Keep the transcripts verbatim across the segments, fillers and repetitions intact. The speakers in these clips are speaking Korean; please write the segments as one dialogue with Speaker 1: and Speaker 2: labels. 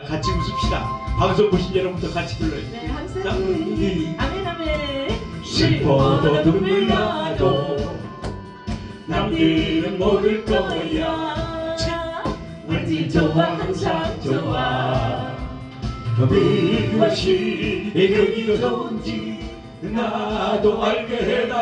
Speaker 1: 같이 웃읍시다. 방송 보신 여러분도 같이 불러요.
Speaker 2: 네, 함사님. 아멘 아멘.
Speaker 1: 슬퍼도 눈물 나도 남들은 모를 거야. 왠지 좋아 항상 좋아. 무엇이 그리도 좋은지 나도 알게 해라.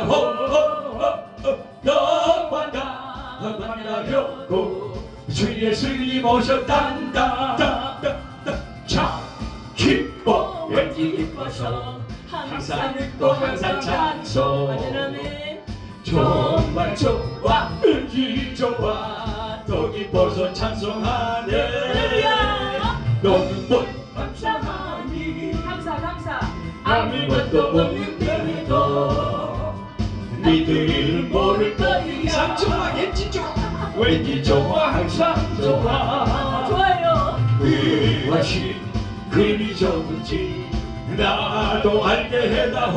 Speaker 1: 너와 나 만나려고 주 예수님 오셨단다. 참 기뻐 왠지 기뻐서 항상 웃고 항상 찬송.
Speaker 2: 아멘 아멘.
Speaker 1: 정말 좋아 왠지 좋아 더 기뻐서 찬송하네. 너는 뭘 감사하니
Speaker 2: 감사 감사.
Speaker 1: 아무것도 없는데도 니들은 모를 거야. 항상 좋아 왠지 좋아 왠지 좋아 항상 좋아.
Speaker 2: 좋아요.
Speaker 1: 무엇이 그리 좋은지 나도 알게 해라.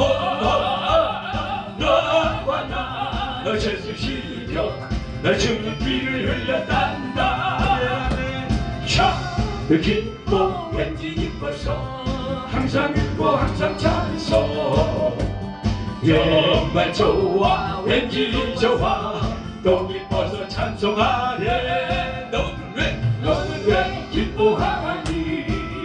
Speaker 1: 너와 나 예수 시려 나 주는 피를 흘렸단다. 참 기뻐 왠지 기뻐서 항상 웃고 항상 찬송. 정말 좋아 왠지 좋아 또 기뻐서 찬송하네. 너는 왜 너는 왜 기뻐하니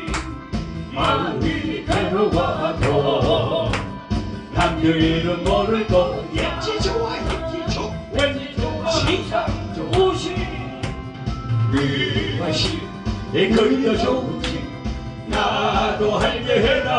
Speaker 1: 마음이 괴로워도 남들은 모를 거야. 왠지 좋아 왠지 좋아 왠지 좋아 항상 좋으시. 무엇이 그리도 좋은지 나도 알게 해라.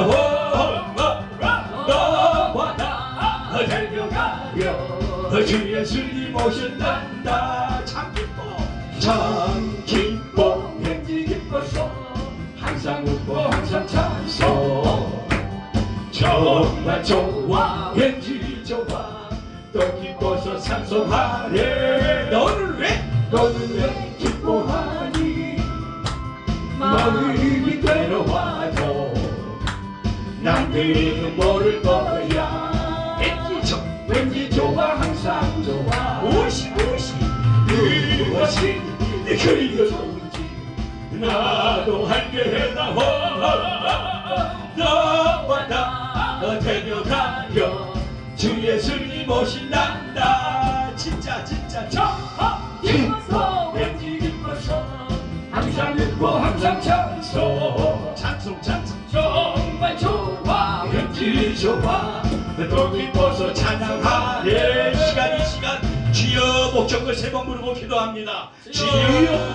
Speaker 1: 너와 나 달려가려 주 예수님 오신단다. 참 기뻐 참 기뻐 왠지 기뻐서 항상 웃고 항상 찬송. 정말 좋아 왠지 좋아 또 기뻐서 찬송하네. 너는 왜 너는 왜 기뻐하니 마음이 괴로워도 남들은 모를 거야. 왠지 좋아 왠지 좋아 항상 좋아. 무엇이 무엇이 무엇이 그리도 좋은지 나도 알게 해라. 너와 나 데려가려 주 예수님 오신단다. 진짜 진짜 저
Speaker 2: 기뻐서
Speaker 1: 왠지 기뻐서 항상 웃고 항상 찬송. 찬송 찬송 정말 좋아 왠지 좋아 또 기뻐서 찬양하네. 시간 이 시간 주여 목적을 세 번 부르고 기도합니다. 주여